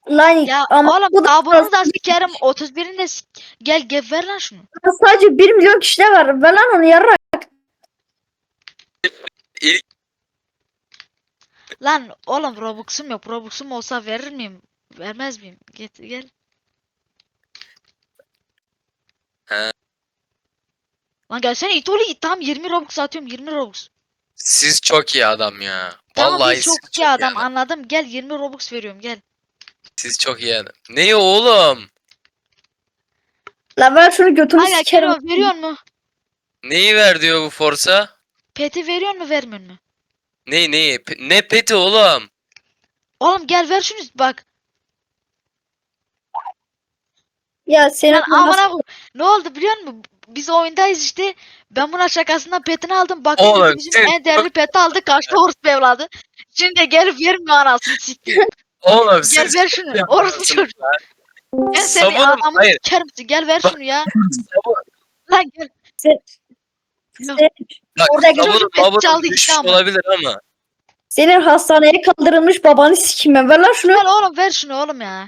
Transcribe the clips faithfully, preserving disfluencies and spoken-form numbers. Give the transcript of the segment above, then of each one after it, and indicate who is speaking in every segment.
Speaker 1: Lan
Speaker 2: Ya
Speaker 1: ama
Speaker 2: oğlum
Speaker 1: bu da
Speaker 2: daha bunu da sikerim. otuz birinde de sik- gel gel ver lan şunu.
Speaker 1: sadece bir milyon kişi de var. Ver lan onu yarrak.
Speaker 3: İlk
Speaker 2: Lan oğlum Robux'um yok. Robux'um olsa verir miyim? Vermez miyim? Get gel.
Speaker 3: He.
Speaker 2: Lan gelsene it oğlu it. Tamam yirmi Robux atıyorum yirmi Robux.
Speaker 3: siz çok iyi adam ya.
Speaker 2: Tamam
Speaker 3: Vallahi
Speaker 2: biz
Speaker 3: siz
Speaker 2: çok iyi adam
Speaker 3: adam.
Speaker 2: anladım. Gel yirmi Robux veriyorum gel.
Speaker 3: Siz çok iyi adam. Ne oğlum?
Speaker 1: Lan ver şunu götünü
Speaker 2: Hala
Speaker 1: sikerim.
Speaker 2: geliyor veriyor mu?
Speaker 3: Neyi ver diyor bu Forsa?
Speaker 2: Peti veriyor mu vermiyor mu?
Speaker 3: Ne neyi? Pe- Ne peti oğlum?
Speaker 2: Oğlum gel ver şunu bak.
Speaker 1: Ya senin
Speaker 2: Lan amına koy- ne oldu biliyor musun? Biz oyundayız işte. Ben buna şakasından petini aldım. Bakın
Speaker 3: Oğlum,
Speaker 2: dedi bizim
Speaker 3: siz
Speaker 2: en değerli peti aldı. Kaçtı orospu evladı. Şimdi gelip vermiyor anasını siktir.
Speaker 3: Oğlum
Speaker 2: Gel
Speaker 3: siz
Speaker 2: ver şunu. Orospu çocuğu. Ben seni
Speaker 3: Sabunum,
Speaker 2: adamı
Speaker 3: hayır.
Speaker 2: sikerim. Gel ver şunu ya.
Speaker 3: Sabun-
Speaker 2: Lan gel.
Speaker 1: sen,
Speaker 2: Yok.
Speaker 1: sen-
Speaker 3: Bak
Speaker 2: Oradaki
Speaker 3: sabunun
Speaker 2: çocuk pet
Speaker 3: babunun
Speaker 2: çaldı
Speaker 3: düşmüş
Speaker 2: işte ama.
Speaker 3: olabilir ama.
Speaker 1: senin hastaneye kaldırılmış babanı sikeyim ben. Ver lan şunu.
Speaker 2: Gel oğlum ver şunu oğlum ya.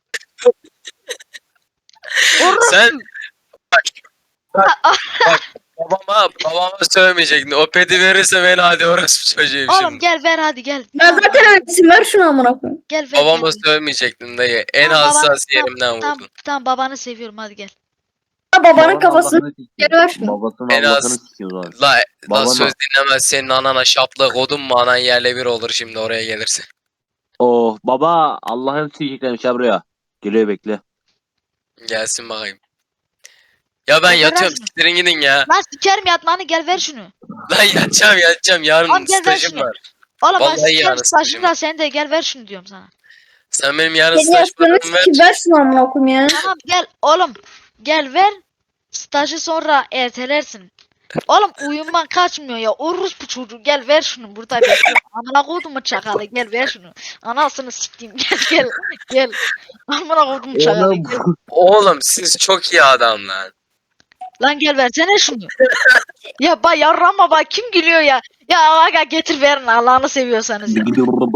Speaker 2: Orospu.
Speaker 3: Sen bak, bak babama babama sövmeyecektin. O peti verirse beni hadi orası çocuğum
Speaker 2: Oğlum
Speaker 3: şimdi.
Speaker 2: gel ver hadi gel.
Speaker 1: Ben zaten öylesin. Ver şunu amına koyayım.
Speaker 2: Gel ver.
Speaker 3: Babama
Speaker 2: gel.
Speaker 3: sövmeyecektin dayı. En
Speaker 2: Tamam, babanı-
Speaker 3: hassas
Speaker 2: tamam,
Speaker 3: yerimden
Speaker 2: Tamam,
Speaker 3: vurdun.
Speaker 2: tamam babanı seviyorum hadi gel.
Speaker 1: Ha, babanın
Speaker 4: Babanın
Speaker 1: kafasını
Speaker 4: Allah'ını sikeyim.
Speaker 1: geri ver şunu.
Speaker 4: Babasının
Speaker 3: En
Speaker 4: Allah'ını
Speaker 3: az-
Speaker 4: sikiyor lan.
Speaker 3: La, la
Speaker 4: Babana.
Speaker 3: söz dinlemez senin anana şapla kodun mu anan yerle bir olur şimdi oraya gelirse.
Speaker 4: Oh baba Allah'ını sikeyim şey buraya. Geliyor bekle.
Speaker 3: Gelsin bakayım. Ya ben
Speaker 2: Ya
Speaker 3: yatıyorum
Speaker 2: bırak.
Speaker 3: siktirin gidin ya.
Speaker 2: Lan sikerim yatmanı gel ver şunu.
Speaker 3: Lan yatacağım yatacağım yarın
Speaker 2: Oğlum gel ver
Speaker 3: stajım
Speaker 2: şunu.
Speaker 3: var.
Speaker 2: Oğlum ben
Speaker 3: Vallahi
Speaker 2: sikerim
Speaker 3: yarın
Speaker 2: stajını
Speaker 3: stajım
Speaker 2: da
Speaker 3: var.
Speaker 2: sen de gel ver şunu diyorum sana.
Speaker 3: Sen benim yarın
Speaker 1: Senin
Speaker 3: staj
Speaker 1: yastığını
Speaker 3: paramı ver.
Speaker 1: sikeyim. Ver şunu amına koyayım ya.
Speaker 2: Tamam gel oğlum. Gel ver. Stajı sonra ertelersin. Oğlum uyuman kaçmıyor ya. Urus bu çocuğu gel ver şunu burada bekliyorum. Amına kodumu çakalı gel ver şunu. Anasını sikeyim gel gel gel. Amına kodumu çakalı gel.
Speaker 3: Oğlum siz çok iyi adam lan.
Speaker 2: Lan gel versene şunu. Ya bay yarrama bak kim gülüyor ya. Ya aga getir verin Allah'ını seviyorsanız ya.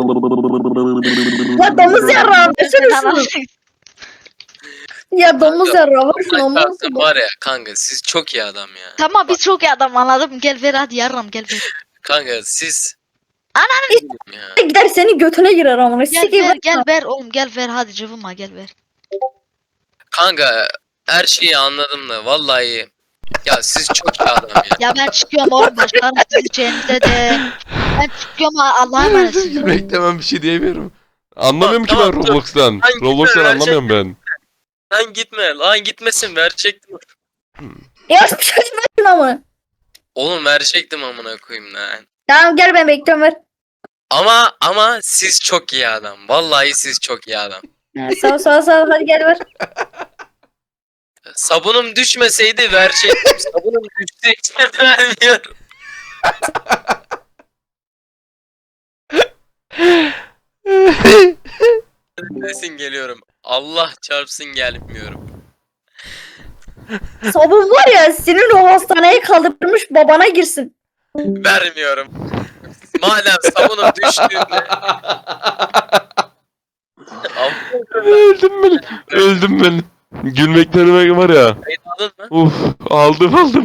Speaker 1: Ya domuz yarrağı versene şunu.
Speaker 2: Anasını-
Speaker 1: Ya domuz yarrağı ver şunu
Speaker 3: Allah
Speaker 1: amına
Speaker 3: çarpsın
Speaker 1: koyayım.
Speaker 3: var ya kanka siz çok iyi adam ya.
Speaker 2: Tamam biz çok iyi adam anladım. Gel ver hadi yarram gel ver.
Speaker 3: Kanka siz.
Speaker 2: Ananı-
Speaker 3: Ya.
Speaker 1: Gider senin götüne girer amına.
Speaker 2: Gel
Speaker 1: Sikeyim
Speaker 2: ver
Speaker 1: ver.
Speaker 2: gel ver oğlum gel ver hadi cıvıma gel ver.
Speaker 3: Kanka her şeyi anladım da vallahi. Ya siz çok iyi adam ya.
Speaker 2: Ya ben çıkıyorum oğlum başlarım sizin içerinize de. Ben çıkıyorum ha, Allah'a emanetsiniz.
Speaker 5: Gülmekten ben bir şey diyemiyorum. Anlamıyorum ki
Speaker 3: Tamam,
Speaker 5: ben
Speaker 3: dur.
Speaker 5: Roblox'tan.
Speaker 3: Hangi
Speaker 5: Roblox'tan
Speaker 3: verecek?
Speaker 5: anlamıyorum ben.
Speaker 3: Lan gitme lan gitmesin verecektim.
Speaker 1: Ya bir şey ver şunu amına.
Speaker 3: Oğlum verecektim amına koyayım lan.
Speaker 1: Tamam gel ben bekliyorum ver.
Speaker 3: Ama ama siz çok iyi adam. Vallahi siz çok iyi adam.
Speaker 1: Ha, sağ ol sağ ol sağ ol hadi gel ver.
Speaker 3: Sabunum düşmeseydi verecektim. Sabunum düştüğü için vermiyorum. Nesin geliyorum. Allah çarpsın gelmiyorum.
Speaker 1: Sabun var ya senin o hastaneye kaldırmış babana girsin.
Speaker 3: Vermiyorum. Madem sabunum düştüğünde.
Speaker 5: Öldüm ben. Öldüm ben. Gülmekten var ya.
Speaker 3: Kayıt aldın mı?
Speaker 5: Uf aldım aldım.